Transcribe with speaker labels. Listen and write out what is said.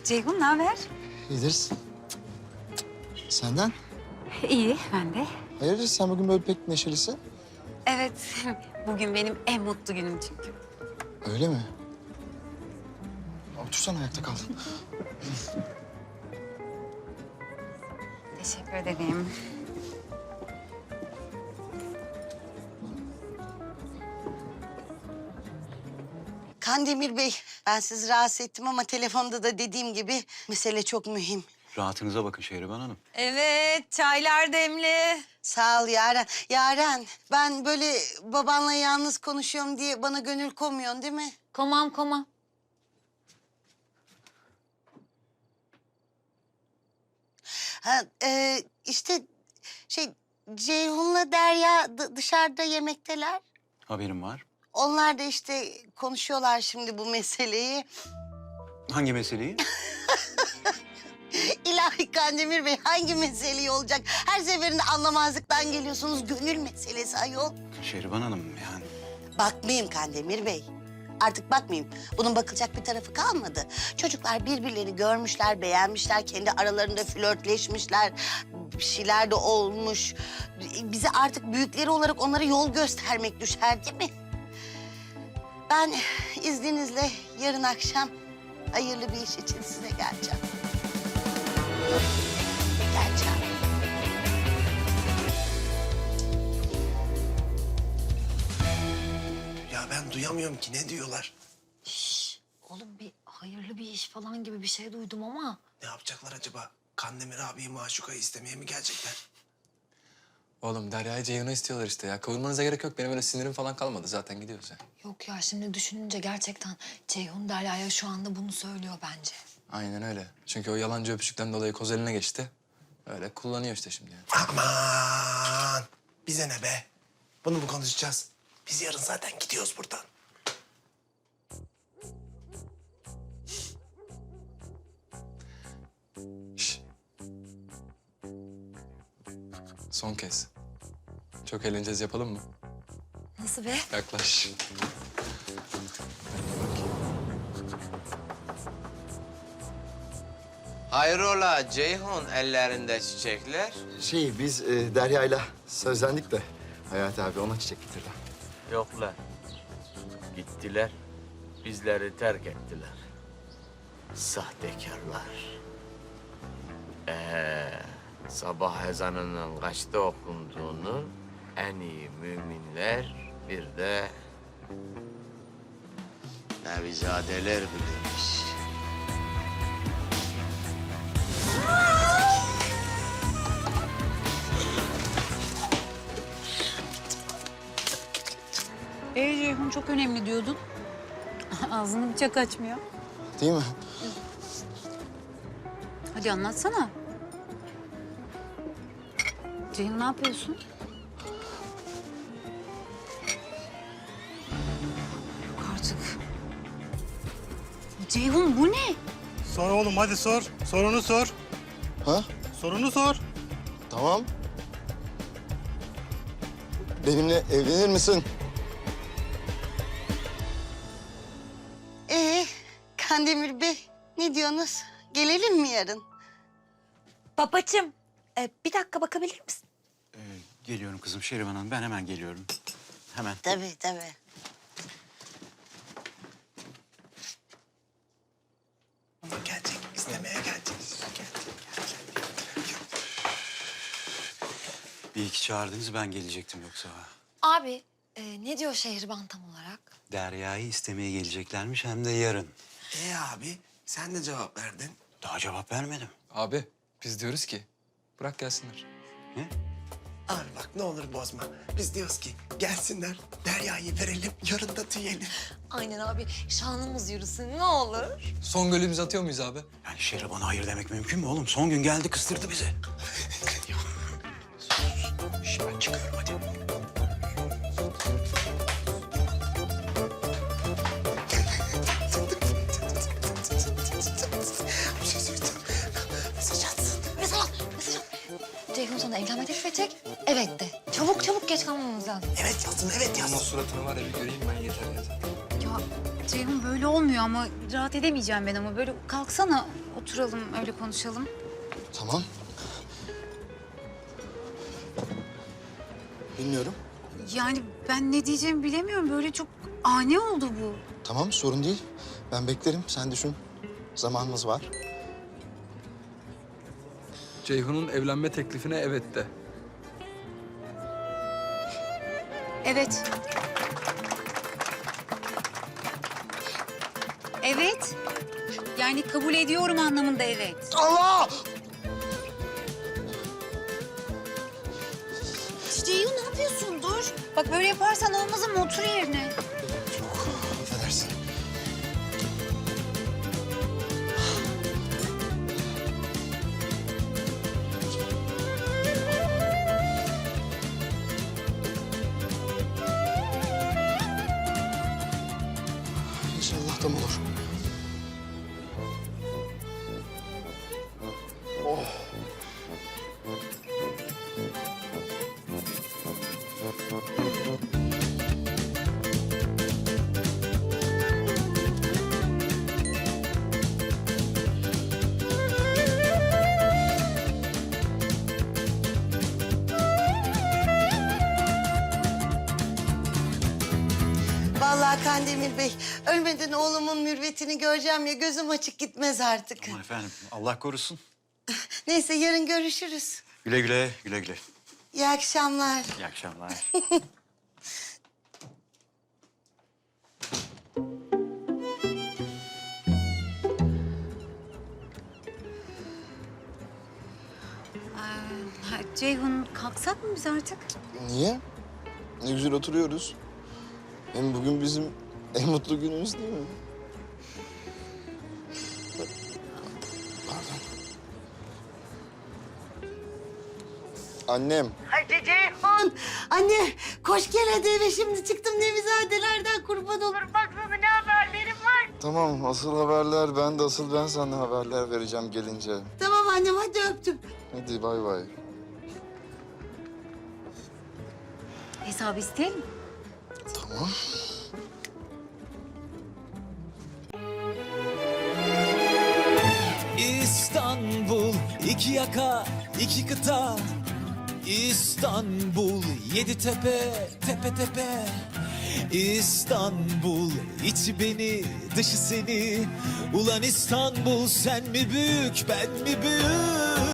Speaker 1: Ceyhun ne haber?
Speaker 2: İyidir. Senden?
Speaker 1: İyi, ben de.
Speaker 2: Hayırdır sen bugün böyle pek neşelisin?
Speaker 1: Evet, bugün benim en mutlu günüm çünkü.
Speaker 2: Öyle mi? Otursana ayakta kal.
Speaker 1: Teşekkür ederim.
Speaker 3: Kandemir Bey, ben sizi rahatsız ettim ama telefonda da dediğim gibi mesele çok mühim.
Speaker 4: Rahatınıza bakın Şehriban Hanım.
Speaker 1: Evet, çaylar demli.
Speaker 3: Sağ ol Yaren. Yaren, ben böyle babanla yalnız konuşuyorum diye bana gönül koymuyorsun değil mi?
Speaker 1: Komam.
Speaker 3: Ha, işte Ceyhun'la Derya dışarıda yemekteler.
Speaker 4: Haberim var.
Speaker 3: Onlar da işte konuşuyorlar şimdi bu meseleyi.
Speaker 4: Hangi meseleyi?
Speaker 3: İlahi Kandemir Bey hangi meseleyi olacak? Her seferinde anlamazlıktan geliyorsunuz. Gönül meselesi ayol.
Speaker 4: Şehriban Hanım yani.
Speaker 3: Bakmayayım Kandemir Bey. Artık bakmayayım. Bunun bakılacak bir tarafı kalmadı. Çocuklar birbirlerini görmüşler, beğenmişler. Kendi aralarında flörtleşmişler. Bir şeyler de olmuş. Bize artık büyükleri olarak onlara yol göstermek düşer değil mi? Ben izninizle yarın akşam hayırlı bir iş için size geleceğim. Geleceğim.
Speaker 5: Ya ben duyamıyorum ki ne diyorlar?
Speaker 6: Oğlum bir hayırlı bir iş falan gibi bir şey duydum ama.
Speaker 5: Ne yapacaklar acaba? Kandemir abiyi Maşuka'yı istemeye mi gelecekler?
Speaker 7: Oğlum Derya'yı Ceyhun'u istiyorlar işte ya. Kavurmanıza gerek yok. Benim öyle sinirim falan kalmadı. Zaten gidiyoruz ya.
Speaker 6: Yok ya şimdi düşününce gerçekten Ceyhun Derya'ya şu anda bunu söylüyor bence.
Speaker 7: Aynen öyle. Çünkü o yalancı öpücükten dolayı koz eline geçti. Öyle kullanıyor işte şimdi yani.
Speaker 5: Aman! Bize ne be? Bunu mu konuşacağız? Biz yarın zaten gidiyoruz buradan.
Speaker 7: Şş. Son kez. Çok eğleneceğiz, yapalım mı?
Speaker 6: Nasıl be?
Speaker 7: Yaklaş.
Speaker 8: Hayrola Ceyhun ellerinde çiçekler?
Speaker 2: Biz Derya'yla sözlendik de Hayati abi ona çiçek getirdi.
Speaker 8: Yoklar. Gittiler. Bizleri terk ettiler. Sahtekarlar. Sabah ezanının kaçta okunduğunu en iyi müminler bir de nevizadeler bilirmiş.
Speaker 1: Ceyhun çok önemli diyordun. Ağzını bıçak açmıyor.
Speaker 2: Değil mi?
Speaker 1: Hadi anlatsana. Ceyhun ne yapıyorsun? Yok artık. Ceyhun bu ne?
Speaker 9: Sor oğlum hadi sor. Sorunu sor.
Speaker 2: Ha?
Speaker 9: Sorunu sor.
Speaker 2: Tamam. Benimle evlenir misin?
Speaker 3: Kandemir Bey ne diyorsunuz? Gelelim mi yarın?
Speaker 6: Babacığım bir dakika bakabilir misin?
Speaker 4: Geliyorum kızım Şehriban Hanım. Ben hemen geliyorum. Hemen.
Speaker 3: Tabii tabii.
Speaker 5: Ama gelecek, istemeye gelecek.
Speaker 4: Bir iki çağırdınız ben gelecektim yoksa.
Speaker 6: Abi ne diyor Şehriban tam olarak?
Speaker 4: Derya'yı istemeye geleceklermiş hem de yarın.
Speaker 5: Abi sen de cevap verdin.
Speaker 4: Daha cevap vermedim.
Speaker 7: Abi biz diyoruz ki bırak gelsinler.
Speaker 4: Ne?
Speaker 5: Abi bak ne olur bozma. Biz diyoruz ki gelsinler, Derya'yı verelim, yarın da tüyelim.
Speaker 6: Aynen abi şanımız yürüsün ne olur.
Speaker 7: Son golümüzü atıyor muyuz abi?
Speaker 4: Yani Şehriban'a hayır demek mümkün mü oğlum? Son gün geldi kıstırdı bizi. Şş, ben çıkıyorum hadi.
Speaker 5: Bir şey söyleyeceğim. Mesaj atsın.
Speaker 6: Mesaj at. Ceyhun sana evlenme teklif edecek. Evet de. Çabuk geç kalmamız lazım.
Speaker 5: Evet yazsın, evet
Speaker 7: Ama
Speaker 5: yazsın.
Speaker 7: suratını var ya bir göreyim ben yeter.
Speaker 1: Ya Ceyhun böyle öyle olmuyor ama rahat edemeyeceğim ben ama böyle kalksana oturalım öyle konuşalım.
Speaker 2: Tamam. Bilmiyorum.
Speaker 1: Yani ben ne diyeceğimi bilemiyorum böyle çok ani oldu bu.
Speaker 2: Tamam, sorun değil. Ben beklerim, sen düşün. Zamanımız var.
Speaker 7: Ceyhun'un evlenme teklifine evet de.
Speaker 1: Evet. Evet. Yani kabul ediyorum anlamında evet.
Speaker 2: Allah!
Speaker 1: Ceyhun ne yapıyorsun? Dur. Bak böyle yaparsan olmaz ama otur yerine.
Speaker 2: Çok affedersin. İnşallah tam olur. Oh.
Speaker 3: Vallahi Kandemir Bey, ölmeden oğlumun mürvetini göreceğim ya gözüm açık gitmez artık.
Speaker 4: Aman efendim Allah korusun.
Speaker 3: Neyse yarın görüşürüz.
Speaker 4: Güle güle, güle güle.
Speaker 3: İyi akşamlar.
Speaker 4: İyi akşamlar.
Speaker 1: Ha, Ceyhun kalksak mı biz artık?
Speaker 2: Niye? Ne güzel oturuyoruz. Hem bugün bizim en mutlu günümüz değil mi? Pardon. Annem.
Speaker 3: Hadi Ceyhun. Anne koş gel hadi eve şimdi çıktım Nevizadelerden kurban olurum. Baksana ne haberlerim var.
Speaker 2: Tamam, asıl haberler ben sana haberler vereceğim gelince.
Speaker 3: Tamam annem hadi öptüm.
Speaker 2: Hadi bay bay.
Speaker 1: Hesabı isteyelim mi?
Speaker 2: Tamam.
Speaker 10: İstanbul, iki yaka, iki kıta. İstanbul, yedi tepe, tepe tepe. İstanbul, içi beni, dışı seni. Ulan İstanbul, sen mi büyük, ben mi büyük?